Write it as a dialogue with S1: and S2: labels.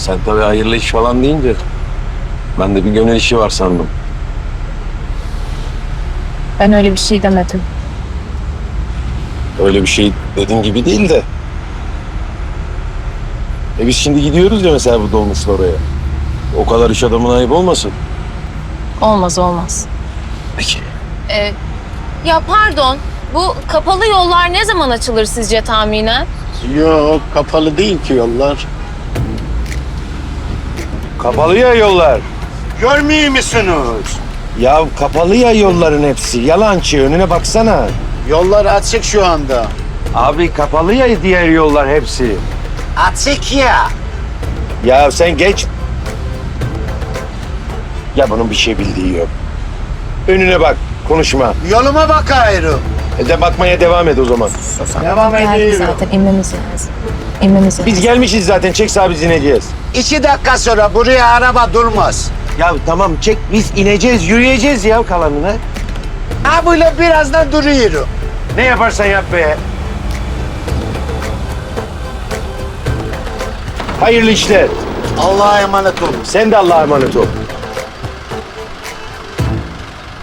S1: Sen tabii hayırlı iş falan deyince ben de bir gönül işi var sandım.
S2: Ben öyle bir şey demedim.
S1: Öyle bir şey dediğin gibi değil de. Biz şimdi gidiyoruz ya mesela bu dolmuşla oraya. O kadar iş adamına ayıp olmasın.
S2: Olmaz olmaz.
S1: Peki.
S3: Ya pardon, bu kapalı yollar ne zaman açılır sizce tahminen?
S4: Yok, kapalı değil ki yollar.
S1: Kapalı ya yollar.
S4: Görmüyor musunuz?
S1: Ya kapalı ya yolların hepsi. Yalancı, önüne baksana.
S4: Yollar açık şu anda.
S1: Abi kapalı ya diğer yollar hepsi.
S4: Açık ya.
S1: Ya sen geç. Ya bunun bir şey bildiği yok. Önüne bak, konuşma.
S4: Yoluma bak ayrı.
S1: De bakmaya devam et o zaman.
S4: Devam
S2: Geldik
S4: ediyorum.
S2: zaten inmemiz lazım. İnmemiz lazım.
S1: Biz gelmişiz zaten, çek sağa biz ineceğiz.
S4: 2 dakika sonra buraya araba durmaz.
S1: Ya tamam çek, biz ineceğiz, yürüyeceğiz ya kalanını.
S4: Ha böyle birazdan duruyorum.
S1: Ne yaparsan yap be. Hayırlı işler.
S4: Allah'a emanet olun.
S1: Sen de Allah'a emanet ol.